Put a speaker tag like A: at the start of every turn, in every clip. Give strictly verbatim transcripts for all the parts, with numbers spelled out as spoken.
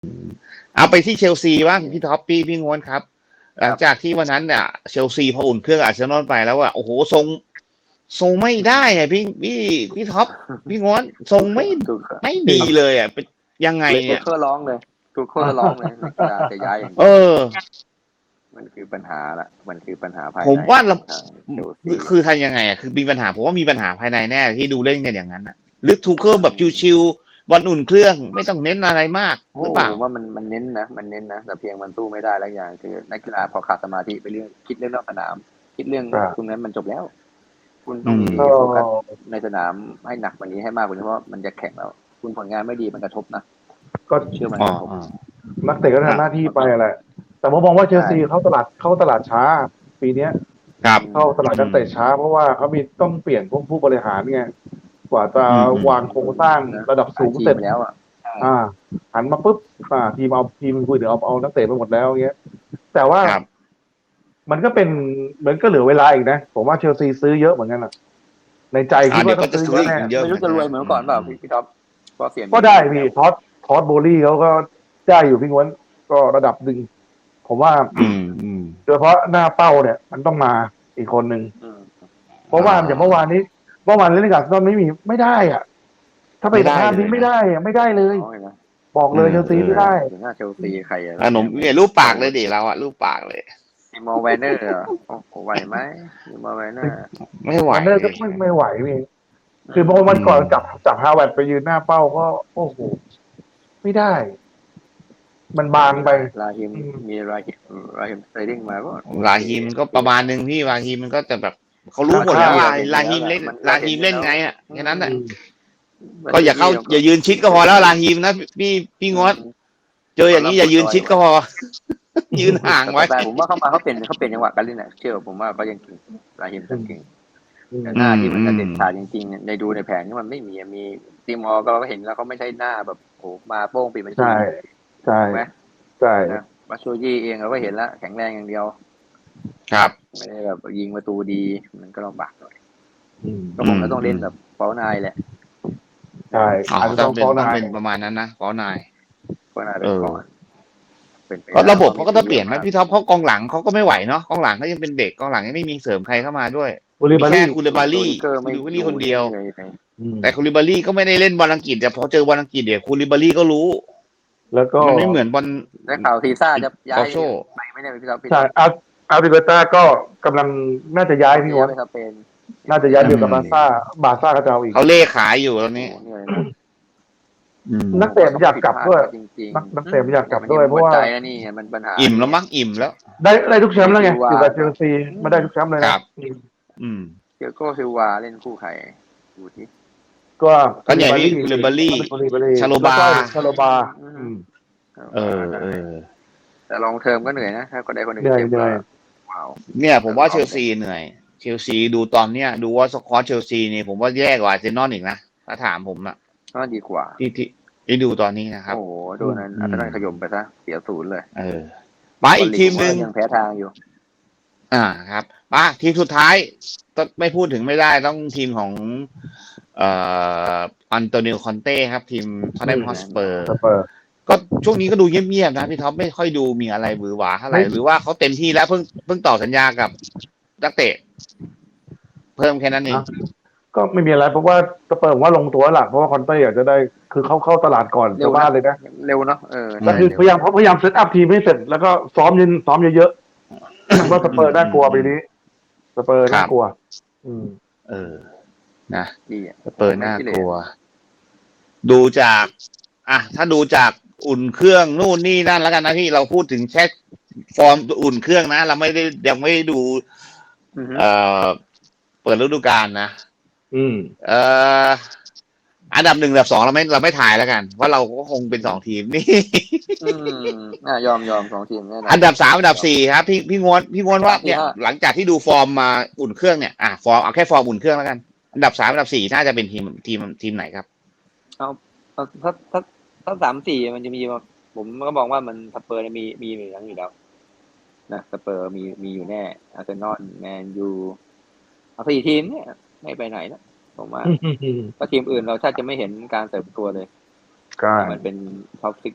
A: เอาไปที่เชลซีบ้างพี่ท็อปพี่พี่งวนครับ หลังจากที่วันนั้นเนี่ยเชลซีพออุ่นเครื่องอาร์เซนอลไปแล้วว่าโอ้โหทรงทรงไม่ได้อะพี่พี่พี่ท็อปพี่งวนทรงไม่ไม่ดีเลยอ่ะเป็นยังไงเนี่ย
B: ทุกคนร้องเลยทุกคนร้องเลยนักกีฬาจะย้ายอย่าง
A: เออ
B: มันคือปัญหาละมันคือปัญหาภายใน
A: ผมว่าเรา
B: เชลซี
A: คือทำยังไงอ่ะคือมีปัญหาผมว่ามีปัญหาภายในแน่ที่ดูเล่นกันอย่างนั้นอ่ะหรือทูเคิลแบบชิวๆบอลอุ่นเครื่องไม่ต้องเน้นอะไรมากหรือเปล่า
B: ผมว่ามันมันเน้นนะมันเน้นนะแต่เพียงมันสู้ไม่ได้แล้วอย่างคือนักกีฬาพอขาดสมาธิไปเรื่องคิดเรื่องนอกสนาม คิดเรื่องตรงนั้นมันจบแล้ว คุณต้องมีโฟกัสในสนามให้หนักกว่านี้ให้มากกว่านี้เพราะมันจะแข่งแล้ว คุณผลงานไม่ดีมันกระทบนะก็เชื่อมันกระทบ
C: นักเตะก็ทำหน้าที่ไปอะไรแต่ผมมองว่าเชลซีเข้าตลาดเข้าตลาดช้า ปีเนี้ย
A: ครับ
C: เข้าตลาดนักเตะช้าเพราะว่าเขามีต้องเปลี่ยนพวกผู้บริหารไงกว่าจะวางโครงสร้างระดับสูงเสร็จ
B: แล้วอ่ะ
C: อ่าหันมาปุ๊บอ่าทีมเอาทีมคุยเดี๋ยวเอาเอานักเตะไปหมดแล้วเงี้ยแต่ว่า
A: ครับ
C: มันก็เป็นเหมือนก็เหลือเวลาอีกนะผมว่าเชลซีซื้อเยอะเหมือนกันอ่ะในใจคิดว่าต้องซื้อเยอะแน่
A: เยอะ
B: ไม่รู้จะรวยเหมือนก่อนเปล่าพี่ท็อปก็เสีย
C: ก็ได้พี่ทอสทอสโบลี่เขาก็ได้อยู่พี่ง้วนก็ระดับหนึ่งผมว่า
A: อืมอืม
C: โดยเฉพาะหน้าเป้าเนี่ย มันต้องมาอีกคนหนึ่ง
B: อืม
C: เพราะว่าอย่างเมื่อวานนี้เมื่อวานเล่นกับตอนไม่มีไม่ได้อ่ะ ถ้าไปสภาพนี้ไม่ได้อ่ะไม่ได้เลย บอกเลยเชลซีไม่ได้
B: หน้าเชลซีใครอ่ะ
A: ขนมเนี่ยรูปปากเลยดิเราอะรูปปากเลย
B: ทีมอลแวนเนอร์โอ้โหไหวไหมทีมอลแวนเนอร์
A: ไม่ไหว
C: วันเนอร์ก็ไม่ไม่ไหวพี่คือเมื่อวันก่อนจับจับฮาวเวิร์ดไปยืนหน้าเป้าก็โอ้โหไม่ได้ มันบางไป
B: ลาฮิมมีลาฮิมลาฮิมสไตดิ้งมาก็
A: ลาฮิมก็ประมาณนึงพี่ลาฮิมมันก็จะแบบเขารู้หมดแล้วลาลาฮิมเล่นลาฮิมเล่นไงอ่ะแค่นั้นแหละก็อย่าเข้าอย่ายืนชิดก็พอแล้วลาฮิมนะพี่พี่งดเจออย่างนี้อย่ายืนชิดก็พอ ยืนห่างไว้
B: แต่ผมว่าเข้ามาเขาเป็นเขาเป็นจังหวะการเล่นน่ะเชื่อผมว่าเขายังเก่งลาฮิมยังเก่งแต่หน้าที่มันจะเด็ดขาดจริงๆในดูในแผนที่มันไม่มีมีทีมออก็เราก็เห็นแล้วเขาไม่ใช่หน้าแบบโอ้มาโป้งปีมัน
C: ใช่ใช่
B: ไหม
C: ใช่
B: นะมาโชยี่เองเราก็เห็นแล้วแข็งแรงอย่างเดียว
A: ครับ
B: ไม่ได้แบบยิงประตูดีมันก็ลำบากหน่อย
C: อืม
B: ก็คงจะต้องเล่นแบบเป้านายแหละ
C: ใช่
A: อ๋อ
C: อาจจะ
A: ต้
C: ต้
A: อ
C: อง ง
A: เป็น
C: ฟ้อง
A: ต้อง
C: นาย
A: เป็นประมาณนั้นนะฟ้อนาย
B: เป้านายเป็นก่อนเป็นไป
A: ก็ระบบเขาก็ต้องเปลี่ยนไหมพี่ท็อปเพราะกองหลังเขาก็ไม่ไหวเนาะกองหลังเขายังเป็นเด็กกองหลังยังไม่มีเสริมใครเข้ามาด้วย
C: คูลิ
A: มี
C: บา
A: แค่
C: รี่
A: คูลิบารี่
B: คู
A: คูลิบารี่คนเดียว
C: อืม
A: แต่คูลิบารี่ก็ไม่ได้เล่นบอลอังกฤษแต่พอเจอบอลอังกฤษเดี๋ยวคูลิบารี่ก็รู้
C: แล้วก็
A: มันไม่เหมือนบอล
B: ได้ข่าวทีซ่าจะย้าย
A: โอโช
B: ไปไม่ได้พี่ท็อปพี่
C: ใช่อาร์อาร์บิเกต้าก็กำลังน่าจะย้ายพี่วอน
B: ไปสเปน
C: น่าจะย้ายเดียวกับบาร์ซ่าบาร์ซ่าก็จะเอาอีก
A: เขาเล่ขายอยู่ตอนนี้
B: โอ้โหเหนื่อย
A: อืม
C: นักเตะอยากกลับด้วย
B: จริง
C: นักนักเตะอยากกลับด้วยเพราะว่า
B: ใจนะนี่มันปัญหา
A: อิ่มแล้วมั้งอิ่มแล้ว
C: ได้ได้ทุกแชมป์แล้วไงอยู่กับเชลซีไม่ได้ทุกแชมป์เลยนะครับ
A: อืม
B: เกียโก้ซิลวาเล่นคู่ใครดูที่
C: ก็
A: ก็เนี่ยพี่คูลิบารี่ ชาโลบา
C: ชาโลบาอืม
A: เออเออ
B: แต่ลองเทอมก็เหนื่อยนะถ้าก็ได้คนหนึ่ง
C: เหนื่อย
B: เจ็บ
C: เหนื่อย
B: ว้าว
A: เนี่ยผมว่าเชลซีเหนื่อยเชลซีดูตอนเนี้ยดูว่าสควอตเชลซีนี่ผมว่าแย่กว่าอาร์เซนอลอีกนะถ้าถามผมอะ
B: ก็ดีกว่า
A: ที่ที่ที่ดูตอนนี้นะครับ
B: โอ้โหโดนนั้นอัตราขยมไปซะเสียศูนย์เลย
A: เออมาอีกทีมหนึ่ง
B: ยังแพ้ทางอยู่
A: อ่าครับมาทีมสุดท้ายต้องไม่พูดถึงไม่ได้ต้องทีมของเอ่ออันโตนิโอคอนเต้ครับ ทีมทอตแนมฮอสเปอร์
C: สเปอร์
A: ก็ช่วงนี้ก็ดูเงียบๆนะพี่ท็อปไม่ค่อยดูมีอะไรบือหวาเท่าไหร่
C: ไม่
A: หรือว่าเขาเต็มที่แล้วเพิ่งเพิ่งต่อสัญญากับนักเตะ เพิ่มแค่นั้นเอง
C: ก็ไม่มีอะไรเพราะว่าสเปอร์ผมว่าลงตัวหลักเพราะว่าคอนเต้อยากจะได้คือเขาเข้าตลาดก่อน
B: เร็ว
C: ชาวบ้านเลยนะ
B: เร็วเนาะเออ
C: ก็คือพยายามเขาพยายามเซตอัพทีมให้เสร็จแล้วก็ซ้อมยืนซ้อมเยอะๆว่าสเปอร์น่ากลัวปีนี้สเปอร์น่ากลัว อืม
A: เออนะ
B: ดีอ่ะ
A: สเปอร์น่ากลัว ดูจากอ่ะถ้าดูจากอุ่นเครื่องนู่นนี่นั่นแล้วกันนะพี่เราพูดถึงแค่ฟอร์มอุ่นเครื่องนะ เราไม่ได้ยังไม่ได้ดู
B: อือฮึ
A: เอ่อเปิดฤดูกาลนะ
C: อืม
A: เอ่ออันดับหนึ่งอันดับสองเราไม่เราไม่ถ่ายแล้วกันว่าเราก็คงเป็นสองทีมนี่
B: อืมอ่ะยอมยอมสองทีมแน่นอน
A: อันดับสามอันดับสี่ครับพี่พี่งวนพี่งวนว่าเนี่ย
B: ที่ห้า
A: หลังจากที่ดูฟอร์มมาอุ่นเครื่องเนี่ยอ่ะฟอร์มเอาแค่ฟอร์มอุ่นเครื่องแล้วกันอันดับสามอันดับสี่น่าจะเป็นทีมทีมทีมไหนครับ
B: เอาเอาถ้าถ้าถ้าสามสี่มันจะมีผมก็มองว่ามันสเปอร์มีมีอยู่แล้วอยู่แล้วนะสเปอร์มีมีอยู่แน่อาร์เซนอลแมนยูเอาสี่ทีมเนี่ยไม่ไปไหนนะผมว่าก็ทีมอื่นเราถ้าจะไม่เห็นการเติบโตเลย
C: ใช่
B: มันเป็นท็อปซิก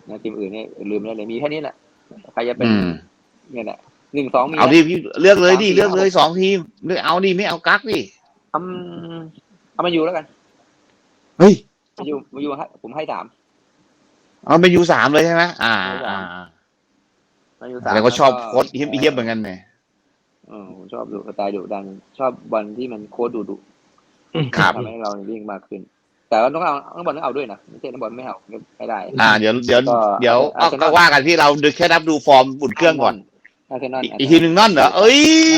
B: นะทีมอื่นเนี่ยลืมได้เลยมีแค่นี้แหละใครจะเป็น
A: อืม
B: เนี่ยแหละหนึ่งสองมี
A: เอาดิพี่เลือกเลยดิเลือกเลยสองทีมเลือกเอาดิไม่เอากักดิ
B: ทำเอามาอยู่แล้วกัน
A: เฮ้ย
B: มาอยู่มาอยู่ให้ผมให้สาม
A: เอาไปยูสามเลยใช่ไหมอ่าอ่า
B: มาอยู่
A: แส
B: สาม
A: ดงว่าชอบ
B: แล้วก็
A: โค้ชเฮี้ยมเฮี้ยมเหมือนกันเนี่ย
B: เออผมชอบดูสไตล์ดุดันชอบบอลที่มันโค้ดดุดุ
A: ครับ
B: ทำให้เราวิ่งมากขึ้น แต่ว่าต้องเอานักบอลต้องเอาด้วยนะไม่ใช่นักบอลไม่เอาไม่ได้
A: อ่าเดี๋ยวเดี๋ยว
B: ก็
A: เดี๋ยว
B: อาร์
A: ก็
B: เซนอล
A: ก็ว่ากันที่เราดูแค่นับดูฟอร์มบุนเครื่องก่อน
B: อาร์เซนอล
A: อีกอีกทีหนึ่งนั่นเหรอเอ้ย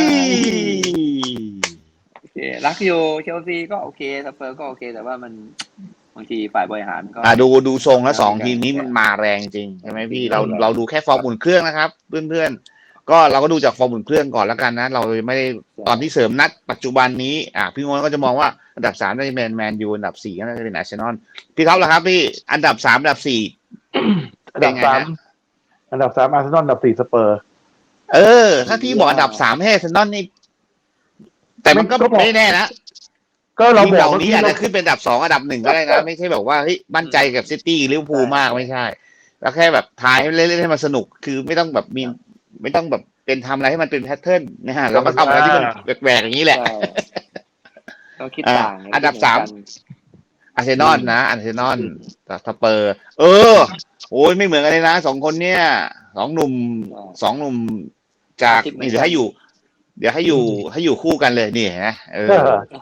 B: โอเคลักยูเชลซีก็โอเคสเปอร์ก็โอเค แต่ว่ามันบางทีฝ่ายบริหารก็
A: อ่าดูดูทรงแล้วสองทีมนี้มันมาแรงจริงใช่ไหมพี่เราเราดูแค่ฟอร์มบุนเครื่องนะครับ เพื่อนๆก็เราก็ดูจากฟอร์มบุนเครื่องก่อนแล้วกันนะ เราไม่ได้ตอนที่เสริมนัดปัจจุบันนี้อ่าพี่งวนก็จะมองว่าอันดับสามน่าจะเป็นแมนยูอันดับสี่ก็น่าจะเป็นอาร์เซนอลพี่ท็อปล่ะครับพี่อันดับสามอันดับสี่
C: อันดับสามอันดับสามอาร์เซนอลอันดับสี่สเปอร์
A: เออ ถ้าพี่บอกอันดับสามให้อาร์เซนอลนี่แต่มันก็
C: ก็บอก
A: ไม่แน่นะ
C: ก็เรา
A: ทีม
C: บ
A: เห
C: อก
A: ล่านี้อาจจะขึ้นเป็นอันดับสองอันดับหนึ่งก็ได้นะไม่ใช่แบบว่าเฮ้ยมั่นใจกับซิตี้ลิเวอร์พูลมากไม่ใช่ แล้วแค่แบบทายให้เล่นๆให้มันสนุกคือไม่ต้องแบบมีไม่ต้องแบบเป็นทำอะไรให้มันเป็นแพทเทิร์นนะฮะเราก็ทำอะไรที่มันแหวกๆอย่างนี้แหละ
B: ใช่ต้องคิด
A: อ่า
B: ต่างไง
A: อันดับ
B: คิ
A: สาม
B: เหกั
A: อาร์เซนอลนะอาร์เซนอลกับสเปอร์ เออโอ้ยไม่เหมือนกันเลยนะสองคนเนี้ยสองหนุ่มสองหนุ่มจากนี่เดี๋ยวให้อยู่ เดี๋ยวให้อยู่ให้อยู่คู่กันเลยนี่นะเออ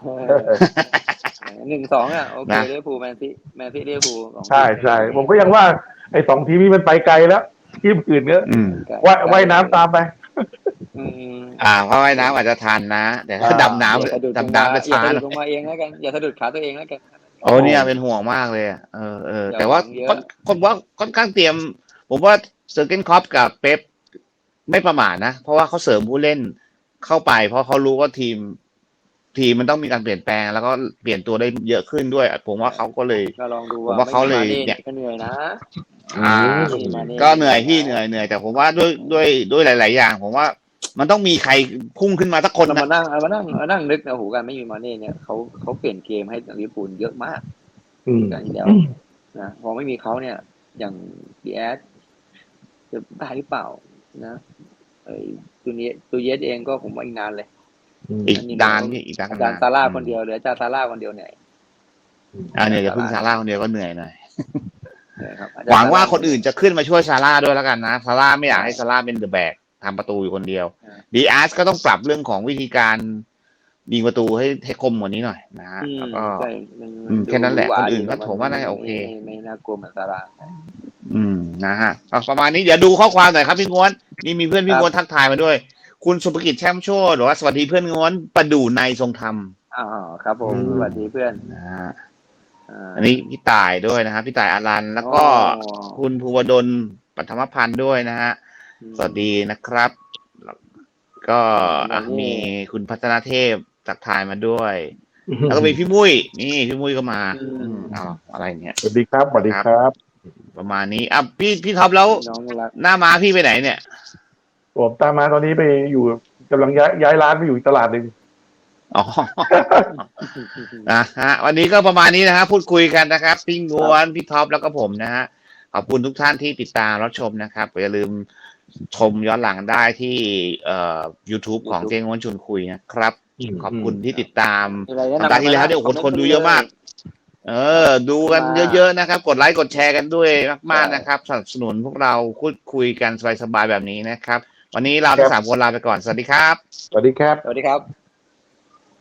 B: หนึ่งสองอ่ะโอเค
A: นะ
B: ลิเวอร์พูลแมนซีแมนซีลิเวอร์พูลสองทีม
C: ใช่ใช่ผมก็ยังว่าไอ้สองทีมนี้มันไปไกลแล้วทีมอื่นก็
A: อืม
C: ว่ายว่ายน้ำตามไป
B: อืม
A: อ่าเพราะว่ายน้ำอาจจะทันนะ แต่ถ้า
C: อ่า
A: ดำน้
B: อย่าสะดุด
A: ำดำน้ำจะ
B: อย่า
A: ช้า
B: สะ
A: ห
B: ดุ
A: น่
B: ด
A: อย
B: ลงมาเองแล้วกันอย่าสะดุดขาตัวเองแล้วกัน
A: โอ้เนี่ยเป็นห่วงมากเลยอะเออเออ
B: อย่า
A: แต่ว่า
B: หวังเยอะ
A: ค่อนคนว่าค่อนข้างเตรียม ผมว่าเซอร์เกนคล็อปกับเป๊ปไม่ประมาทนะ เพราะว่าเขาเสริมผู้เล่นเข้าไป เพราะเขารู้ว่าทีม ทีมมันต้องมีการเปลี่ยนแปลง แล้วก็เปลี่ยนตัวได้เยอะขึ้นด้วย ผมว่าเขาก็เลย
B: ก็ลองดู
A: ผมว่าเขาเลย
B: ไม่มี
A: เนี่
B: มาย ก็เหนื่อยนะ
A: อ่า
B: ไม่มีมาเน่
A: ก็เหนื่อยที่เหนื่อยเหนื่อยแต่ผมว่าด้วยด้วยด้วยหลาย ๆ อย่าง ผมว่ามันต้องมีใครพุ่งขึ้นมาสักคน
B: เรา
A: นะ
B: มานั่งเอามานั่งมานั่งนึกนะโหการไม่มีมาเน่เนี่ยเขาเขาเปลี่ยนเกมให้ลิเวอร์พูลเยอะมาก
C: อืม
B: กันที่แล้วนะพอไม่มีเขาเนี่ย อย่างดีแอสจะได้หรือเปล่านะไอ้ตัวนี้ตัวเยสเองก็ผมว่าอีกนานเลย
A: อีกดานพี่อีกดาน
B: อาจารย์ซาร่าคนเดียวเหลืออาจารย์ซาร่าคนเดียวเนี่ย
A: อ่าเนี่ยจะพึ่งซาร่าคนเดียวก็เหนื่อยหน่อย
B: นะครับอจรย์
A: หวังว่าคนอื่นจะขึ้นมาช่วยซาร่าด้วยแล้วกันนะซาร่าไม่อยากให้ซาร่าเป็นเดอะแบกทำประตูอยู่คนเดียวดีอาร์สก็ต้องปรับเรื่องของวิธีการยิงประตูให้ให้คมกว่านี้หน่อยนะฮะ
B: อืม
A: แล้วก็
B: ใช่มัน
A: อืมแค่นั้นแหละ
B: ดูวา
A: คนอื่นก็
B: ดี
A: ผมว่าน่าจะโอเค
B: ไม่ไม่น่ากลัวเหมือนซาร่า
A: อืมนะฮะเอาประมาณนี้เดี๋ยวดูข้อความหน่อยครับพี่ง้วนนี่มีเพื่อนพี่
B: ครับ
A: ง้วนทักทายมาด้วย คุณสุภกิจแช่มโชติหรือว่าสวัสดีเพื่อนง้วนประดู่ในทรงธรรม
B: อ๋อครับผม
A: อืม
B: สวัสดีเพื่อน
A: นะฮะ
B: อ่า
A: อันนี้พี่ต่ายด้วยนะครับพี่ต่ายอารันแล้วก็
B: อ๋อ
A: คุณภูวดลปัทมพันธ์ด้วยนะฮะ สวัสดีนะครับ ก็อ่ะมีคุณพัฒนาเทพทักทายมาด้วย แล้วก็มีพี่มุ้ยนี่พี่มุ้ยก็มาอืมเอาอะไรเนี่ย
C: สวัสดีครับสวัสดีครับ
A: ประมาณนี้อ่ะพี่พี่ท็อปแล้ว
B: น้องรัก
A: หน้าม้าพี่ไปไหนเนี่ย
C: ผมตามมาตอนนี้ไปอยู่กำลังย้ายย้ายร้านไปอยู่อีกตลาดหนึ่ง
A: อ๋อ นะฮะวันนี้ก็ประมาณนี้นะฮะพูดคุยกันนะครับพี่งวนพี่ท็อปแล้วก็ผมนะฮะขอบคุณทุกท่านที่ติดตามรับชมนะครับอย่าลืมชมย้อนหลังได้ที่เอ่อ YouTube ของเจงวนชวนคุยนะครับ ขอบคุณที่ติดตาม
B: มีอะไรแนะ
A: สัป
B: นำ
A: ดาห์ที่แล้วเนี่ยโอ้โหคนดูเยอะมาก เออ ดูกันเยอะๆนะครับ กดไลค์กดแชร์กันด้วยมากๆนะครับสนับสนุนพวกเราพูดคุยกันสบายๆแบบนี้นะครับ วันนี้เราทั้งสามคนลาไปก่อนสวัสดีครับ
C: สวัสดีครับ
B: สวัสดีครับ